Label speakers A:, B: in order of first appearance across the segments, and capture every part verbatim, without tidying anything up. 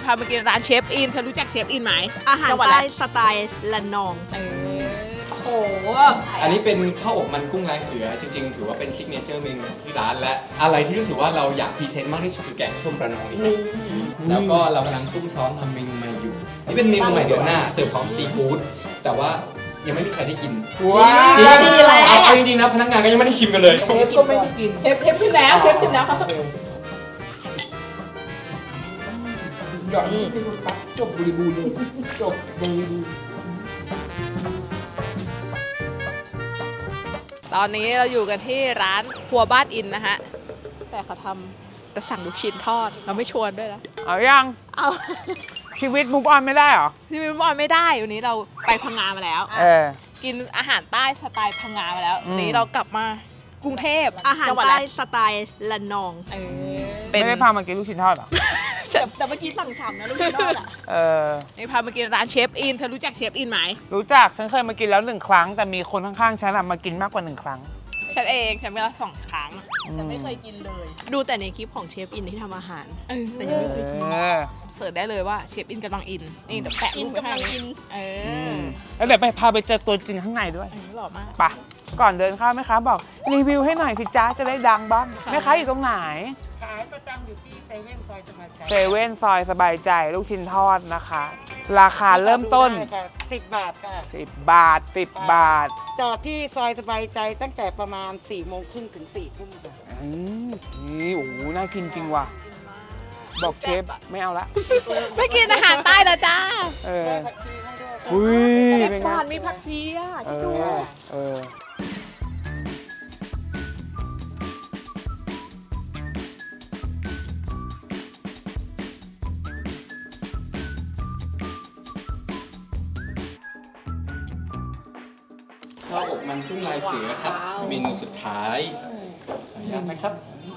A: พามากินร้านเชฟอินเธอรู้จักเชฟอินไหม
B: อาหารใต้สไตล์ละนอง
A: เออโอ้โห
C: อันนี้เป็นข้าวอบมันกุ้งลายเสือจริงๆถือว่าเป็นซิกเนเจอร์เมนูของที่ร้านและอะไรที่รู้สึกว่าเราอยากพรีเซนต์มากที่สุดคือแกงส้มระนองนี่ครับแล้วก็เรากำลังซุ่มซ้อมทำเมนูใหม่อยู่นี่เป็นเมนูใหม่เดือนหน้าเสิร์ฟพร้อมซีฟู้ดแต่ว่ายังไม่มีใครได้กิน
B: ว้าวดีเลย
C: เอาจริงๆนะพนักงานก็ยังไม่ได้ชิมกันเลย
B: เชฟก็ไม่ได้กิน
A: เทปเทปชิมแล้วเทปชิมแล้วครับ
B: หยอดนี่เป็นปั๊บจบบริบูรณ์เลยจบบริบูรณ์
A: ตอนนี้เราอยู่กันที่ร้านครัวบ้านอินนะฮะแต่เขาทำแต่สั่งลูกชิ้นทอดเราไม่ชวนด้วยนะ
D: เอายัง
A: เอา
D: ชีวิตมุกออนไม่ได้เหรอ
A: ชีวิตมุกออนไม่ได้วันนี้เราไปพังงามาแล้ว
D: เออ
A: กินอาหารใต้สไตล์พังงามาแล้ววันนี้เรากลับมากรุงเทพ
B: อาหารใต้สไตล์ละนอง
A: เออ
D: ไม่ได้พามากินลูกชิ้นทอดหรอ
A: แต่เมื่อกี้สั่งฉ่ำนะลูกชิ้นทอดอ่ะ
D: เออ
A: นี่พามากินร้านเชฟอินเธอรู้จักเชฟอินไหม
D: รู้จักฉันเคยมากินแล้วหนึ่งครั้งแต่มีคนข้างๆฉันมากินมากกว่าหนึ่งครั้ง
A: ฉันเองฉันไปแล้วสองครั้งฉันไม่เคยกินเลย
B: ดูแต่ในคลิปของเชฟอินที่ทำอาหารแต่ยังไม่เคยกิน
A: เสิร์ชได้เลยว่าเชฟอินกำลังอินนี่เดี๋ยวแปะรูปไปให้เออ
D: แล้วเดี๋ยวไปพาไปเจอตัวจริงข้างในด้วย
A: หล่อมาก
D: ปะก่อนเดินเข้าแม่ค้าบอกรีวิวให้หน่อยสิจ้าจะได้ดังบ้างแม่ค้าอยู่ตรงไหน
E: ขายประจำอยู่ที่เซเว่นซอยสบายใจ
D: เซเว่นซอยสบายใจลูกชิ้นทอดนะคะราคาเริ่มต้น
E: สิบบาทค่ะ
D: สิบบาทสิบบาท
E: จอดที่ซอยสบายใจตั้งแต่ประมาณสี่โมงครึ่งถึงสี่ทุ่มค่ะ
D: อืมนี่โอ้โหน่ากินจริงว่ะบอกเชฟไม่เอาละ
A: ไม่กินอาหารใต้แล้วจ้า
D: เออ
E: ผักชีให้ด้วย
D: อุ้ย
A: เป็นไงมีผักชีอ่ะที่ดู
D: เออ
C: ข้าวอบมันกุ้งลายเสือครับเมนูสุดท้ายขออนุญาตนะครับ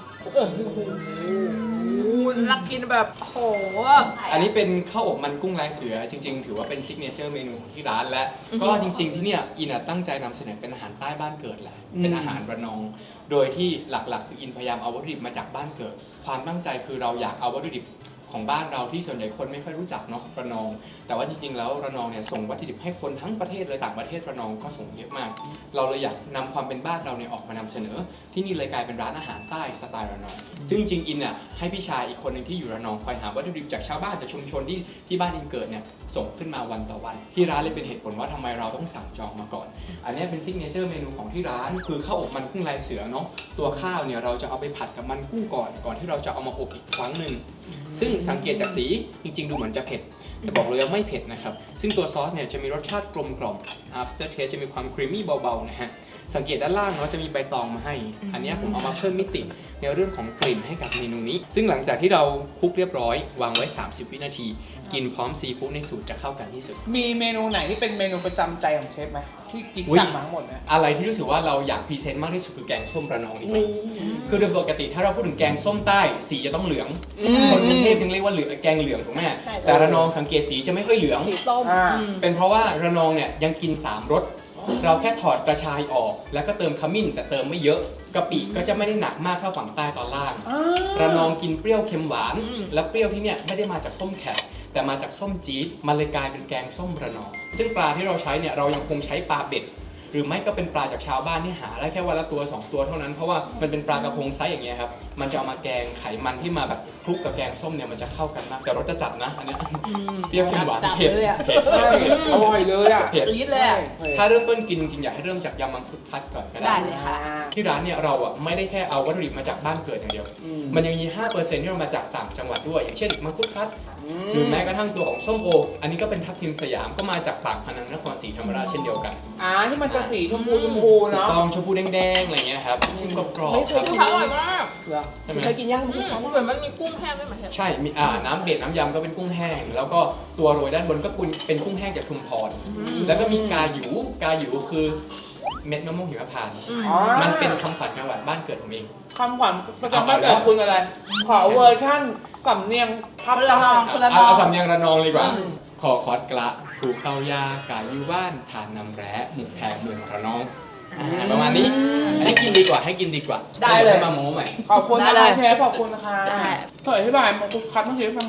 A: รักกินแบบโห
C: อันนี้เป็นข้าวอบมันกุ้งลายเสือจริงๆถือว่าเป็นซิกเนเจอร์เมนูของที่ร้านและก็จริงๆที่เนี่ยอินตั้งใจนำเสนอเป็นอาหารใต้บ้านเกิดแหละเป็นอาหารระนองโดยที่หลักๆคืออินพยายามเอาวัตถุดิบมาจากบ้านเกิดความตั้งใจคือเราอยากเอาวัตถุดิบของบ้านเราที่ส่วนใหญ่คนไม่ค่อยรู้จักเนาะระนองแต่ว่าจริงๆแล้วระนองเนี่ยส่งวัตถุดิบให้คนทั้งประเทศเลยต่างประเทศระนองก็ส่งเยอะมากเราเลยอยากนำความเป็นบ้านเราเนี่ยออกมานำเสนอที่นี่เลยกลายเป็นร้านอาหารใต้สไตล์ระนองซึ่งจริงๆอินอ่ะให้พี่ชายอีกคนหนึ่งที่อยู่ระนองคอยหาวัตถุดิบจากชาวบ้านจากชุมชนที่ที่บ้านอินเกิดเนี่ยส่งขึ้นมาวันต่อวันที่ร้านเลยเป็นเหตุผลว่าทำไมเราต้องสั่งจองมาก่อนอันนี้เป็นซิกเนเจอร์เมนูของที่ร้านคือข้าวอบมันกุ้งลายเสือเนาะตัวข้าวเนี่ยเราจะเอาไปผัดกับมันกุ้งก่อนก่อนที่เราจะเอามาอบอีกครั้งหนึ่งซึ่งสังเกตจากสีจริงๆดูเหมือนจะเผ็ดแต่บอกเลยว่าไม่เผ็ดนะครับซึ่งตัวซอสเนี่ยจะมีรสชาติกลมกล่อม after taste จะมีความครีมมี่เบาๆนะฮะสังเกตด้านล่างเนาะจะมีใบตองมาให้อันนี้ผมเอามาเพิ่มมิติในเรื่องของกลิ่นให้กับเมนูนี้ซึ่งหลังจากที่เราคลุกเรียบร้อยวางไว้สามสิบวินาทีกินพร้อมซีฟู้ดในสูตรจะเข้ากันที่สุด
D: มีเมนูไหนที่เป็นเมนูประจำใจของเชฟไหมที่กินสั่งมาทั้งหมดนะ
C: อะไรที่รู้สึกว่าเราอยากพรีเซนต์มากที่สุดคือแกงส้มระนองนี่คือโดยปกติถ้าเราพูดถึงแกงส้มใต้สีจะต้องเหลืองคนกรุงเทพจึงเรียกว่าเหลืองแกงเหลืองถูกไหมแต่ระนองสังเกตสีจะไม่ค่อยเหลือง
A: ส้ม
C: เป็นเพราะว่าระนองเนี่ยยังกินสามรสเราแค่ถอดกระชายออกแล้วก็เติมขมิ้นแต่เติมไม่เยอะกะปิก็จะไม่ได้หนักมากเท่าฝั่งใต้ตอนล่างระนองกินเปรี้ยวเค็มหวานและเปรี้ยวที่เนี่ยไม่ได้มาจากส้มแขกแต่มาจากส้มจี๊ดมันเลยกลายเป็นแกงส้มระนองซึ่งปลาที่เราใช้เนี่ยเรายังคงใช้ปลาเบ็ดหรือไม่ก็เป็นปลาจากชาวบ้านที่หาได้แค่วันละตัวสองตัวเท่านั้นเพราะว่ามันเป็นปลากระพงไซส์อย่างเงี้ยครับมันจะเอามาแกงไขมันที่มาแบบคลุกกับแกงส้มเนี่ยมันจะเข้ากันมากแต่รสจะจัดนะอันเนี้ยเปรี้ยวเค็มหวานเผ็ดเผ็ด
D: อร่อยเลยอ่ะ
A: เผ็ดจี๊ดเลย
C: ถ้าเริ่มต้นกินจริงๆอยากให้เริ่มจากยำมังคุดพัดก่อนก็ได้
A: เลยค่ะ
C: ที่ร้านเนี่ยเราอ่ะไม่ได้แค่เอาวัตถุดิบมาจากบ้านเกิดอย่างเดียวมันยังมี ห้าเปอร์เซ็นต์ ที่เรามาจากต่างจังหวัดด้วยอย่างเช่นมังคุดพัดหรือแม้กระทั่งตัวของส้มโออันนี้ก็เป็นทับทิมสยามก็มาจากปากพนังนครศรีธรรมราชเช่นเดียวกัน
D: อ่าที่มันจะสีชมพูชมพูเนาะ
C: ตองชมพูแดงๆอะไรเงี้ยครับชิมกรอบๆครับ
A: อร่อยมากเคยกินย่างกุ้งเหมือนมันมีกุ้งแห้งด้วยไหม
C: ใช่มีอ่าน้ำเบ็ดน้ำยำก็เป็นกุ้งแห้งแล้วก็ตัวโรยด้านบนก็เป็นกุ้งแห้งจากชุมพรแล้วก็มีกาหยูกาหยูคือเม็ดมะม่วงหิมพานต์มันเป็นคำขวัญจังหวัดบ้านเกิดผมเอง
D: คำขวัญประจำบ้านเกิดคุณอะไรขอเวอร์ชั่นสำเนียง
A: ภาคระนอง
C: คุณระนองเอาสำเนียงระนองดีกว่าขอคอดกระผูเข้ายากายูว่านฐานนำแร้หมูแพรเมืองระนองประมาณนี้ให้กินดีกว่าให้กินดีกว่า
D: ได้เลย
C: มาโม้ใหม่
D: ขอบคุณนะคะเชฟขอบคุณนะคะเผยอธิบายมังคุดคัดเมื่อกี้ฟังหน่อย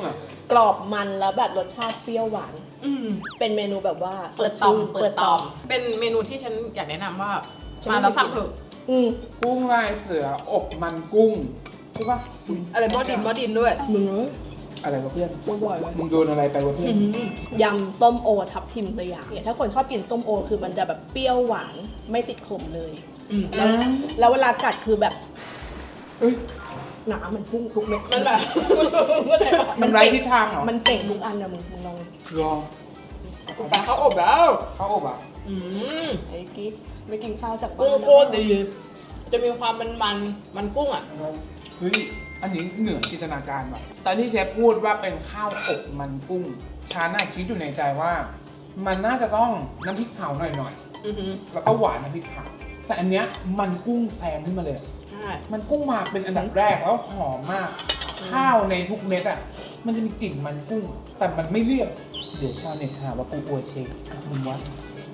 F: กรอบมันแล้วแบบรสชาติเปรี้ยวหวาน
A: อืม
F: เป็นเมนูแบบว่า
A: เปิดต่อม
F: สชื่น
A: เปิดต่อม เป็นเมนูที่ฉันอยากแนะนำว่า
F: ฉัน
A: มา
F: ไม่
A: แล้ว
F: เคย
A: สั่ง
F: กิน
A: เถอะ
F: อืม
D: กุ้งลายเสืออบมันกุ้งใช่ปะ
A: อะไรหม้อดินหม้อดินด้วย
F: มึง
D: อะไรวะเพื่อน
F: บ่อยเลย
D: มึงโดนอะไรไปวะเพื่อน
F: ยำส้มโอทับทิมสยามเนี่ยถ้าคนชอบกินส้มโอคือมันจะแบบเปรี้ยวหวานไม่ติดขมเลย
A: อืม
F: แล้วแล้วเวลากัดคือแบบ
D: เอ้ย
F: หนามันพุ่งทุกเม็ด
A: มันแบบ
D: มันไร้ทิศทางเหรอ
F: มันเป่งทุกอันนะมึงมึงลอง
D: ลอง
A: ปลาเขาอบแล้ว
D: เข้าอบอ่ะ
A: อืม
F: ไอ้กิ๊กไม่กินข้าวจากบ้า
A: กุ้ง
F: น
A: โคตรดี จะมีความมันมันมันกุ้งอ่ะ
D: เฮ้ย อันนี้เหนือจินตนาการว่ะตอนที่เชฟพูดว่าเป็นข้าวอบมันกุ้งชาน่าคิดอยู่ในใจว่า มันน่าจะต้องน้ำพริกเผาหน่อย
A: อือหือ
D: ๆ แล้วก็หวานน้ำพริกเผา แต่อันเนี้ยมันกุ้งแซงขึ้นมาเลย
A: ใช่
D: มันกุ้งมาเป็นอันดับแรกแล้วหอมมาก ข้าวในทุกเม็ดอ่ะ มันจะมีกลิ่นมันกุ้ง แต่มันไม่เลี่ยนเดี๋ยวชาวเน็ตหาว่ากูอวยเชฟมึงวะ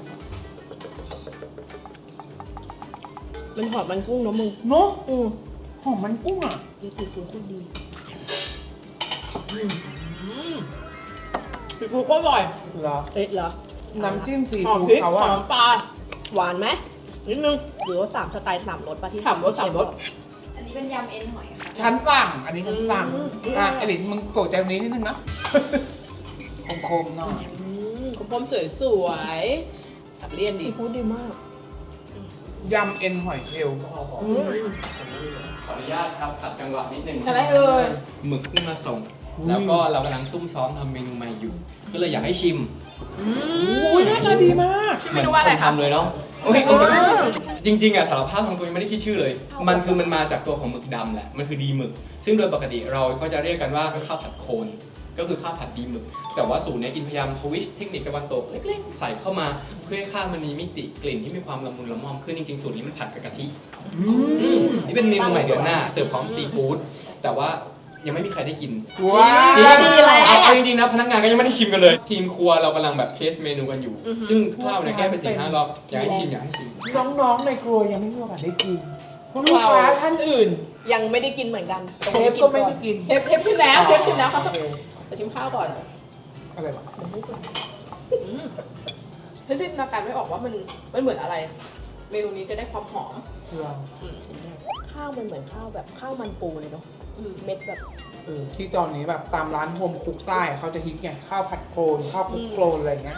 F: มันหอมมันกุ้งเนอะมึง
D: เนาะ
F: อือ
D: หอมมันกุ้งอ่ะ
F: ดีคือคือโคตรดี
A: อืมซีฟู้ดโคตรอร่อย
D: เหรอ
F: เอ๊ะเหรอ
D: น้ำจิ้มซี
A: หอม
D: ฟู้ด
A: พริก
D: เขา
A: ห
D: อะ
A: อมปลา
F: หวานไหมนิดนึงหรือว่าสามสไตล์สามรสป่ะที่
A: สามรสสามรส
G: อันนี้เป็นยำเอ็นหอยค่ะ
D: ฉันสั่ง อันนี้ฉันสั่ง
A: อืม
D: อ่ะไอหลินมึงโกรธใจตรงนี้นิดนึงนะ คมๆหน่อย
A: อืมคมๆสวยสวยๆตัดเลี่ยนดี
F: ซีฟู้ดดีมาก
D: ยำเอ็นหอยเชลล์
A: อืม
C: ขออนุญาตครับขัดจังหวะนิดนึง
A: อะไรเอ่ย
C: หมึกเพิ่งมาส่ง แล้วก็เรากำลังซุ่มซ้อมทำเมนูใหม่อยู่ ก็เลยอยากให้ชิม
D: อุ้ยหน้าตาดีมาก
A: ชื่อเมนูว่าอะไร
C: คน
A: ครับ
C: ทำเลยเนาะโอ้ยจริงๆอ่ะสารภาพทางตัวยังไม่ได้คิดชื่อเลย มันคือมันมาจากตัวของหมึกดำแหละ มันคือดีหมึก ซึ่งโดยปกติเราก็จะเรียกกันว่าข้าวผัดโคน ก็คือข้าวผัดดีหมึก แต่ว่าสูตรเนี้ยอินพยายามทวิสต์เทคนิคตะวันตกเล็กๆ ใส่เข้ามาเพื่อให้ข้าวมันมีมิติกลิ่นที่มีความละมุนละม่อมขึ้นจริงๆสูตรนี้มันผัดกับกะทิ อืมนี่เป็นเมนูใหม่เดือนหน้าเสิร์ฟพร้อมซีฟู้ดแต่ว่ายังไม่มีใครได้กิน
D: ว้า
C: จริง
D: ว
C: เอาเอาจริงๆนะพนักงานก็ยังไม่ได้ชิมกันเลย ทีมครัวเรากำลังแบบเทสเมนูกันอยู่ ซึ่งถ้าเราเนี่ยแก้ไปสี่ห้ารอบอยากให้ชิมอยากให้ชิม
D: น้องๆในครัวยังไม่มีโอกาสได้กินลูกค้าท่านอื่น
F: ยังไม่ได้กินเหมือนกัน
D: เชฟก็ไม่ได้กิน
A: เทปเทปขึ้นแล้วเทปขึ้นแล้ว
D: โอเค
A: ไปชิมข้าวก่อน
D: อะไรวะ
A: อืมเฮ้ยจินตนาการไม่ออกว่ามันมันเหมือนอะไร เมนูนี้จะได้ความหอม
D: เรา
A: อืม
F: ข้าวมันเหมือนข้าวแบบข้าวมันปูเลยเนาะ
A: อืม
F: เม็ดแบบ
D: เออที่ตอนนี้แบบตามร้านโฮมคุกใต้เขาจะฮิตไงข้าวผัดโคลนข้าวคลุกโคลนอะไรอย่างเงี้ย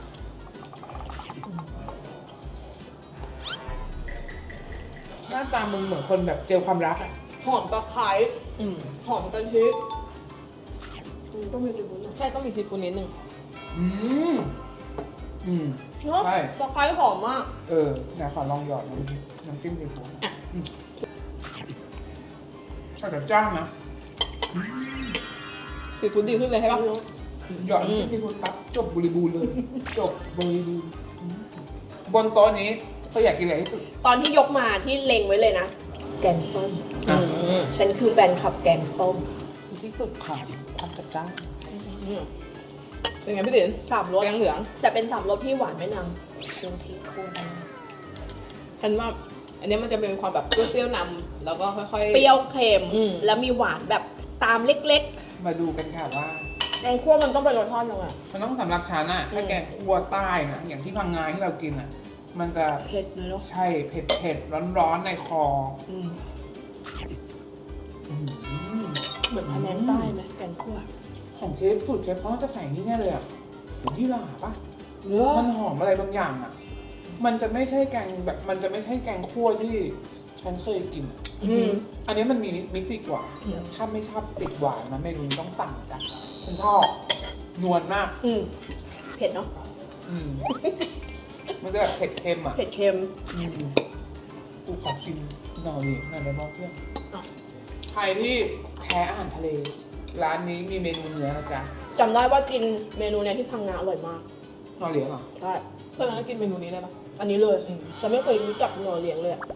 D: หน้าตามึงเหมือนคนแบบเจอความรักอ่ะ
A: หอมตะไคร้
F: อืม
A: หอมกะทิ
F: ต้องมีซีฟู้ดหน่อย
A: ใช่ต้องมีซีฟู้ดนิดนึง
D: อืมอืม
A: เนาะ
D: ใช่
A: ตะไคร้หอมมาก
D: เออเดี๋ยวขอลองหยอดน้ำจิ้มน้ำจิ้มซีฟู้ด
A: อ่ะ
D: อืมก็จะจ้างนะ
A: ซีฟู้ดดีขึ้นเลยใช่ปะ
D: หยอดน้ำจิ้มซีฟู้ดปั๊บจบบริบูรณ์เลย จบบริบูรณ์อืมบนโต๊ะนี้เธออยากกินอะไรที่สุด
F: ตอนที่ยกมาที่เล็งไว้เลยนะ แกงส้ม
D: อ่ะ
F: ฉันคือแฟนคลับแกงส้ม
D: คือที่สุดของความจัดจ้าน
A: อืมเป็นไงพี่ติ๋น
F: สามรส
A: แกงเหลือง
F: แต่เป็นสามรสที่หวานไม่นำเครื่องเทศโคตรดี
A: ฉันว่า อันนี้มันจะเป็นความแบบเปรี้ยวๆนำแล้วก็ค่อยๆ
F: เปรี้ยวเค็ม
A: อืม
F: แล้วมีหวานแบบตามเล็ก
D: มาดูกันค่ะว่า
F: ๆแกงคั่วมันต้องเป็นรสทอดยังไง
D: มันต้องสำหรับฉันอะถ้าแกงคั่วใต้นะอย่างที่พังงาที่เรากินอะมันจะ
F: เผ็ดเลยเนาะ
D: ใช่เผ็ดเผ็ดร้อนร้อนๆในคอ
F: อืม
D: อืม
F: เหมือนพะแนงใต้ไหมแกงคั่ว
D: ของเชฟสูตรเชฟเขาน่าจะใส่นี่แน่เลยอะที่หร่าปะ
A: เนื้อ
D: มันหอมอะไรบางอย่างอะมันจะไม่ใช่แกงแบบมันจะไม่ใช่แกงคั่วที่ฉันเคยกินอะ
F: อืม
D: อันนี้มันมีมิติกว่า
A: อืม
D: ถ้าไม่ชอบติดหวานนะเมนูนี้ต้องสั่งจ้ะฉันชอบนวลมาก
F: อืมเผ็ดเนาะ
D: อืมมันจะแบบเผ็ดเค็มอ่ะ
F: เผ็ดเค็ม
D: อืมกูขอกินหน่อยดิหน่อยได้บ้างเพื่อน
F: อ่ะ
D: ใครที่แพ้อาหารทะเล ร้านนี้มีเมนูเนื้อนะจ๊ะ
F: จำได้ว่ากินเมนูเนี้ยที่พังงาอร่อยมาก
D: นอเลี้ยงเหรอ
F: ใช่
A: ตอนนั้นกินเมนูนี้ได้ปะ
F: อันนี้เลยจะไม่เคยรู้จักหน่อเลี้ยงเลยอะ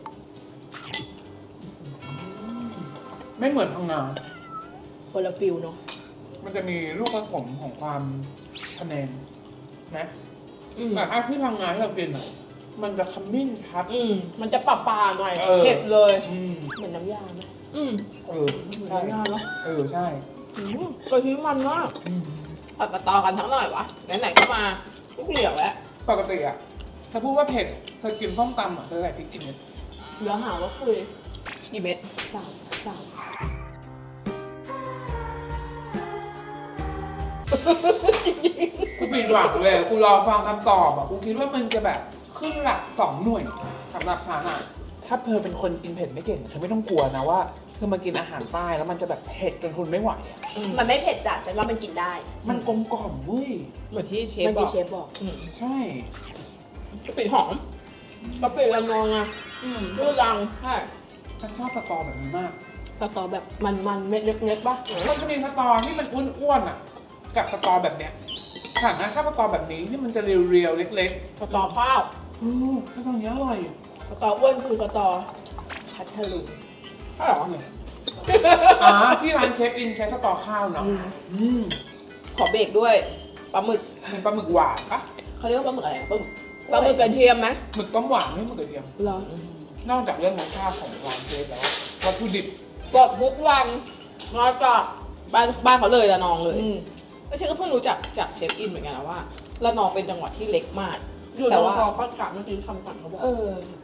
D: ไม่เหมือนพังงา
F: คนละฟิลเนาะ
D: มันจะมีลูกผสมของความคะแนนนะ
A: อืม
D: แต่ถ้าที่พังงาที่เรากินอ่ะ มันจะขมิ้นครับ
A: อืมมันจะปลาๆหน่อย
D: เออ
A: เผ็ดเลย
D: อืม
F: เหมือนน้ำยาไหม
A: อืม
D: เออ
F: เหมือน
D: ใช่
F: น้ำยาเนาะ
D: เออใช่
F: อืมกะทิมันมากผัดกระตอกันทั้งหน่อยวะไหนๆก็มาทุกเหลียวแล้ว
D: ปกติอะถ้าพูดว่าเผ็ดเธอกินส้มตำอะเธอใส่พริกกี่เม็ด
F: เดี๋ยวหาว่าคุยกี่เม็ดสามสาม
D: กูปิดหวังเลยกูรอฟังคำตอบอะกูคิดว่ามันจะแบบขึ้นหลักสองหน่วยสำหรับฉันอะถ้าเธอเป็นคนกินเผ็ดไม่เก่งเธอไม่ต้องกลัวนะว่าเธอมากินอาหารใต้แล้วมันจะแบบเผ็ดจนทนไม่ไหวอะ
F: มันไม่เผ็ดจัดฉันว่ามันกินได้
D: มันกลมกล่อมเว้ย
A: เหมือนที่เชฟ
F: มัน
A: บ
F: มี
A: อก
F: เชฟบอก
D: ใช่
A: กะปิหอม
F: กะปิละนองอ่ะชื่อดังใช่
D: ฉันชอบสตอแบบนี้มาก
F: กระตอแบบมันๆเม็ดเล็กๆป่ะ
D: มันจะมีสตอที่มันอ้วนๆอะกับสตอแบบเนี้ยฉันนะถ้าสตอแบบนี้ที่มันจะเรียวๆเล็ก
F: กระตอข้าว
D: ๆอือถ้าตรงนี้อร่อย
F: กระตออ้วนคือกระตอพัทลุง
D: ถ้าหรอเนี่ยอ๋อที่ร้านเชฟอินใช้สตอข้าวเนาะอืม
F: ขอเบรกด้วยปลาหมึก
D: เป็นปลาหมึกหวานปะ
F: เขาเรียกว่าปลาหมึกอะไรปลาหมึกปลาหมึกกระเทียมไหม
D: หมึกต้มหวานไม่หมึกกระเทียม
F: เหรอน
D: อกจากเรื่องรสชาติของร้านเชฟแล้ววัตถุดิบ
A: สดทุกวันมาจากบ้านบ้านเขาเลยละนองเลย
F: อืม
A: ไม่ใช่ก็เพิ่งรู้จักจากเชฟอินเหมือนกันนะว่าละนองเป็นจังหวัดที่เล็กมาก
F: อยู่ต
A: แต่
F: รง
A: ว่า
F: คอข้าวกาบเมื่อกี้คำก่อนเขาบอก
A: เออ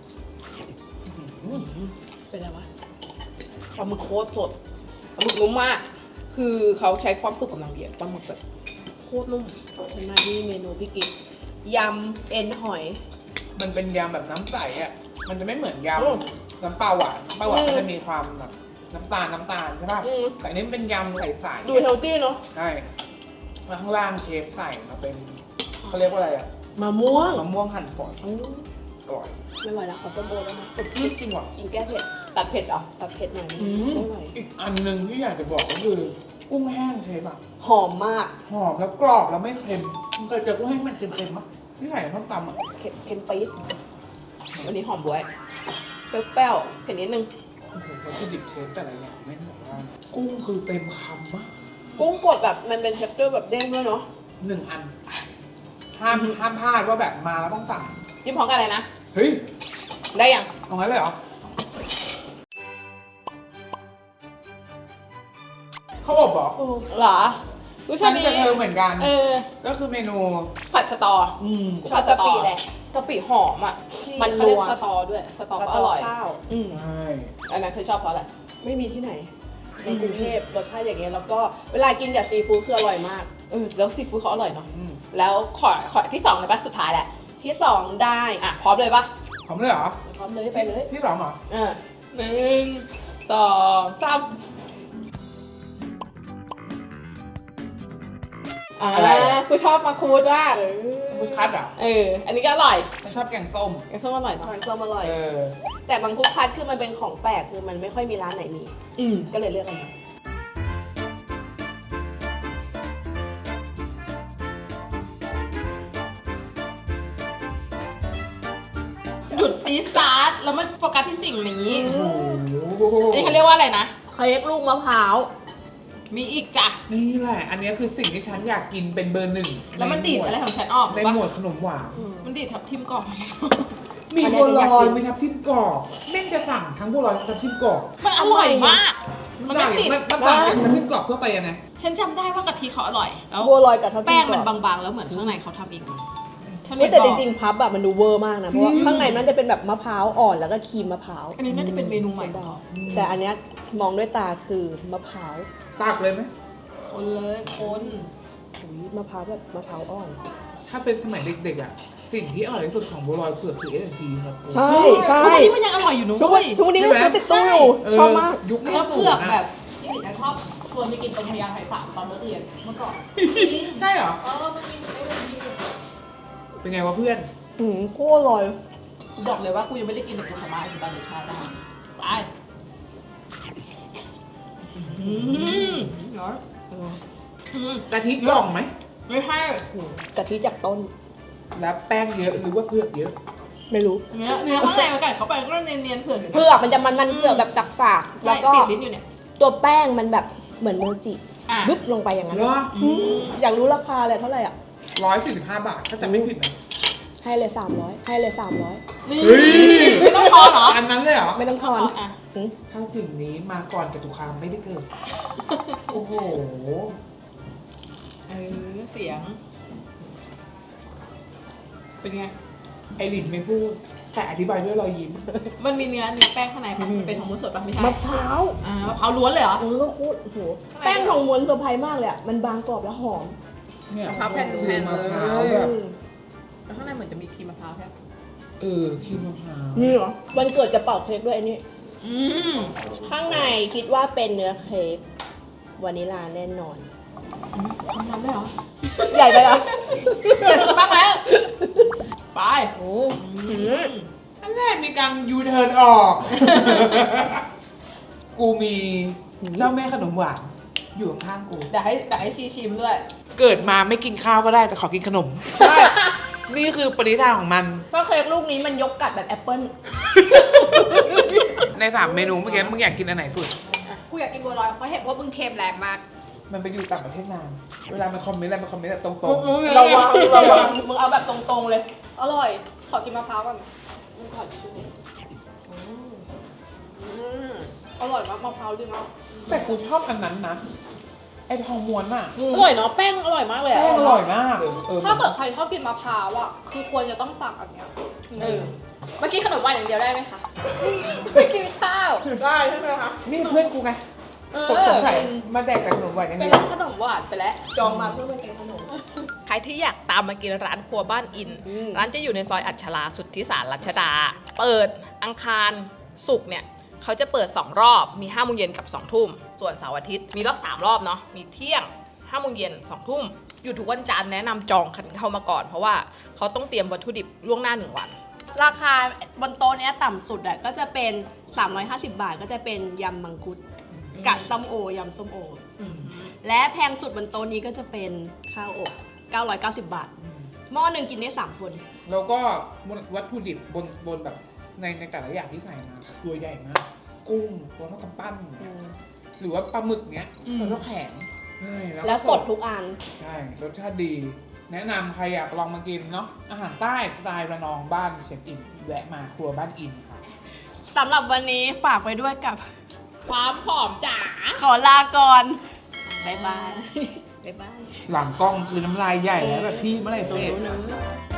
F: เป็นอะไรวะ
A: ปลาหมึกโคตรสดปลาหมึกนุ่มมาก คือเขาใช้ความสุกกำลังดีอะปลาหมึกแบบ
F: โคตรนุ่มฉันมาที่เมนูพี่กิ๊กยำเอ็นหอย
D: มันเป็นยำแบบน้ำใสอ่ะมันจะไม่เหมือนย
F: อืม
D: ำน้ำปลาหวานน้ำปลาหวาน
F: อืม
D: มันจะมีความแบบน้ำตาลน้ำตาลใช่ป่ะ
F: อืม
D: แต่อันนี้มันเป็นยำใสๆ
F: ดูเฮลตี้เนาะ
D: ใช่แล้วข้างล่างเชฟใส่มาเป็นเขาเรียกว่าอะไรอ่ะ
F: มะม่วง
D: มะม่วงหั่นฝอย
F: อืม
D: อร่อย
F: ไม่ไหวแล้วขอต้มโอแล้วนะ
D: จริงว่ะ
F: กินแก้เผ็ด
A: ตัดเผ็ดเหรอ
F: ตัดเผ็ดหน่อยนึง
D: อืม
F: ไม่ไหว
D: อีกอันหนึ่งที่อยากจะบอกก็คือกุ้งแห้งเชฟอะ
F: หอมมาก
D: หอมแล้วกรอบแล้วไม่เค็มมันเคยเจอกุ้งแห้งมันเค็มๆมั้ยที่ไหนต้องตำอะ
F: เค็มเค็มปี๊ด
A: วันนี้หอมบวยเปรี้ยวๆเผ็ดนิดนึง
D: โอ้โหวัตถุดิบเชฟแต่ละอย่างไม่งบอกว่ากุ้งคือเต็มคำมาก
F: กุ้งกดแบบมันเป็นเท็กเจอร์แบบเด้งด้วยเนาะ
D: หนึ่งอัน ห้ามห้ามพลาดว่าแบบมาแล้วต้องสั่ง
A: จิ้มพร้อมกันเลยนะ
D: เฮ้ย
A: ได้ยัง
D: เอางั้นเลยเหรอเขาบอกบอก
A: เหรอรู้
D: ฉั
A: ชาน นี้
D: กับเธอเหมือนกัน
A: เออ
D: ก็คือเมนู
A: ผัดสตอ
D: อืม
A: ชอบ
F: กะปิแหละ
A: กะปิหอมอ่ะ
F: มัน
A: เขาเรียก
F: นัว
A: สตอด้วย สตอ
F: ส
A: ก็
F: ต
A: อ
F: อ
A: ร่อย
F: ข้าว
A: อืม
D: ใช่
A: อันนั้นเธอชอบเพราะอะไร
F: ไม่มีที่ไหนในกรุงเทพรสชาติอย่างเงี้ยแล้วก็เวลากินกับซีฟู้ดคืออร่อยมาก
A: เออ แล้วซีฟู้ดเขาอร่อยเนาะ
D: อืม
A: แล้วขอขอที่สองเลยปะสุดท้ายแหละ
F: ที่สองได้
A: อ่ะ พร้อมเลยปะ
D: หอมเลยเหรอ
F: พร้อมเลยไปเลย
D: ที่สองเหรอ
A: เออหนึ่งสองสามอ่า
D: อะไรอ่ะ
A: กูชอบมาคูดมาก
D: มึงคัดเหรอ
A: เออ อันนี้ก็อร่อย
D: ฉันชอบแกงส้ม
A: แกงส้มอร่อยเนาะ
F: ทานส้มอร่อย
D: เออ
F: แต่บางคุกคัดคือมันเป็นของแปลกคือมันไม่ค่อยมีร้านไหนมี
A: อืม
F: ก็เลยเลือกอันนี้
A: หยุดซีซาร์แล้วมันโฟกัสที่สิ่งนี้
D: โอ้โห
A: อันนี้เขาเรียกว่าอะไรนะ
F: เค้กลูกมะพร้าว
A: มีอีกจ้ะ
D: นี่แหละ อันนี้คือสิ่งที่ฉันอยากกินเป็นเบอร์หนึ่ง
A: แล้วมันดีดอะไรของฉันออก
D: ใน
A: รู้
D: หม
A: ปะ
D: วดขนมหวาน
A: มันดีดทับทิมกรอบ
D: มีบัวลอยมีทับทิมกรอบแม่งจะสั่งทั้งบัวลอยทั้งทับทิมกรอบ
A: มันอร่อยมาก มันไม่
D: ต่าง
A: ติด
D: มันมันต่างจากทับทิมกรอบทั่วไปยังไง
A: ฉันจำได้ว่ากะทิเขาอร่อย แล้ว
F: บัวลอยกับทับทิม
A: แป้งมัน
F: กรอบบ
A: างๆ แล้วเหมือนข้างในเขาทำเองมาฉัน
F: เฮ้ยแต่จริงๆพับแบบมันดูเวอร์มากนะ เพราะว่าข้างในมันจะเป็นแบบมะพร้าวอ่อนแล้วก็ครีมมะพร้าว
A: อันนี้น่าจะเป็นเมนูใหม่ของเขา
F: แต่อันเนี้ยมองด้วยตาคือมะพร้าว
D: ตักเลยไหม
A: คนเลยคน
F: อุ๊ยมะพร้าวแบบมะพร้าวอ่อน
D: ถ้าเป็นสมัยเด็กๆอ่ะ สิ่งที่อร่อยที่สุดของบัวลอยเผือกคือเอสพีครับ
F: ใช่ใช่
A: ทุกวันนี้มันยังอร่อยอยู่นะ
F: ทุกวั
A: เว้
F: น
A: ย
F: ทุกวันนี้ก็ซื้อติดตู้อยู่
D: เ
F: ชอบมาก
D: ยุค
A: เนื้อเผือกแบบที่หนูจะชอบชวนไปกินตรงพญาไทสามตอนเลิกเรียนเมื่อก่อน
D: ใช่เหรอ
A: เออมันมีไอ้แบบนี้
D: เป็นไงวะเพื่อน
F: อืมโคตรอร่อย
A: กูบอกเลยว่ากูยังไม่ได้กินแบบกูสามารถอธิบายรสชาติได้ไปอืมเนาะอืม
D: กะทิกล่องไหม
A: ไม่ใช่
F: กะทิจากต้น
D: แล้วแป้งเยอะหรือว่าเผือกเยอะ
F: ไม่รู้
A: เนื้อเนื้อข้างในมันกัดเข้าไปก็เนียนๆเผือกอยู่นะ
F: เผือกมันจะมันมันๆเผือกแบบจักฝากๆ
A: ใช่
F: แล้วก็
A: ติดลิ้นอยู่เนี่ย
F: ตัวแป้งมันแบบเหมือนโมจิ
A: อ่ะ
F: ยุบลงไปอย่างนั้น
D: เหรอ
F: อืมอยากรู้ราคาเลยเท่าไหร่อ่ะ
D: ร้อยสี่สิบห้าบาทถ้าจะไม่ผิดนะ
F: ให้เลยสามร้อยให้เลยสามร้อย
A: ไม่ต้องทอนเหรอ
D: อันนั้นเลยเหรอ
F: ไม่ต้องทอน
A: อ่ะ
F: อืม
D: ถ้าสิ่งนี้มาก่อนจตุคามไม่ได้เกิด โอ้โห
A: เออเสียง เป็นไง
D: ไอรินไม่พูด แต่อธิบายด้วยรอยยิ้ม
A: มันมีเนื้อเนื้อแป้งข้างในปะเป็นของมูนสดปะไม่ใช่
F: มะพร้าว
A: อ่ามะพร้าวล้วนเลยเหรอ
F: โอ้ยก็โคตรโอ้โหแป้งทองม้วนเซอร์ไพรส์มากเลยอ่ะ มันบางกรอบแล้วหอม
D: เนี่ย
A: มะพร้าวแผ่น
D: คือ
A: แผ่น
D: มะ
A: เลย
D: พร้าวแบบ
A: แล้วข้างในเหมือนจะมีครีมมะพร้าวใช่ไหม
D: เออครีมมะพร้าว
F: นี่เหรอ วันเกิดจะเป่าเค้กด้วยอันนี้
A: อืม
F: ข้างในคิดว่าเป็นเนื้อเค้กวานิลลาแน่นอน
A: ทำน้ำได้เหรอ
F: ใหญ่ไปเหรอ
A: เดี๋ยวตั้งแล้ว ไป
F: โอ้
A: อืม
D: อันแรกมีการยูเทิร์นออก กูมีเจ้าแม่ขนมหวานอยู่ข้างๆกู
A: เดี๋ยวให้เดี๋ยวให้ชีชิมด้วย
D: เกิดมาไม่กินข้าวก็ได้แต่ขอกินขนม นี่คือปณิธานของมัน
F: เพราะเค้กลูกนี้มันยกกัดแบบแอปเปิ้ล
D: ในสามเมนูเมื่อกี้มึงอยากกินอันไหนสุด
A: กูอยากกินบัวลอยเพราะเห็นว่ามึงเค็มแรงมาก
D: มันไปอยู่ต่างประเทศนาน เวลามันคอมเมนต์อะไรมันคอมเมนต์แบบตรง
A: ระวังระวัง
F: มึงเอาแบบตรงๆเลย
A: อร่อย ขอกินมะพร้าวก่อนมึงขอจิชูอร่อยมากมะพร้าวจริงอ่ะ
D: ๆแต่กูชอบอันนั้นนะ ไอ้ทองม้วนอะ
F: อร่อยเนาะแป้งอร่อยมากเลยอะ
D: แป้งอร่อยมากเออ
A: ถ้าเกิดใครชอบกินมะพร้าวอ่ะ คือควรจะต้องสั่งอันเนี้ยเออเมื่อกี้ขนมหวานอย่างเดียวได้ไหมคะ ไม่กินข้าว
F: ได้ใช่ไหมคะ
D: นี่เพื่อนกูไง
A: เออ
D: สงสัยมาแดกแต่ขนมหวานอย่าง
A: เป็น
D: เดียว
A: ร้านขนมหวานไปแล้ว
F: จองมาเพื่อมากินขนม
A: ใครที่อยากตามมากินร้านครัวบ้านอิน
F: อืม
A: ร้านจะอยู่ในซอยอัชราสุทธิสารรัชดา เปิดอังคารศุกร์เนี่ยเขาจะเปิด สอง รอบ มีห้าโมงเย็นกับ สอง ทุ่ม ส่วนเสาร์อาทิตย์มีรอบ สาม รอบเนาะ มีเที่ยงห้าโมงเย็น สอง ทุ่ม อยู่ทุกวันจันทร์แนะนำจองกันเข้ามาก่อน เพราะว่าเขาต้องเตรียมวัตถุดิบล่วงหน้าหนึ่งวัน
F: ราคาบนโต๊ะเนี้ยต่ำสุดอะก็จะเป็น สามร้อยห้าสิบ บาท ก็จะเป็นยำมังคุดกับส้มโอยำส้มโออและแพงสุดบนโต๊ะนี้ก็จะเป็นข้าวอบเก้าร้อยเก้าสิบ บาท หม้อหนึ่งกินได้สามคน
D: แล้วก็วัตถุดิบบนบนแบบในในแต่ละอย่างที่ใส่มาตัวใหญ่มาก กุ้งตัวเท่ากำปั้นหรือว่าปลาหมึกเงี้ยตัวเท่าแขนใช่ก็
F: แล้วสดทุกอัน
D: ใช่รสชาติดี แนะนำใครอยากลองมากินเนาะอาหารใต้สไตล์ระนองบ้านเชฟอินแวะมาครัวบ้านอินค่ะ
F: สำหรับวันนี้ฝากไว้ด้วยกับ
A: ความผอมจ๋า
F: ขอลาก่อน บ๊ายบาย บ๊ายบาย
D: หลังกล้องคือน้ำลายใหญ่แล้วแบบพี่เมื่อไหร่
F: ตรง
D: เสร็จ
F: นู้นนะ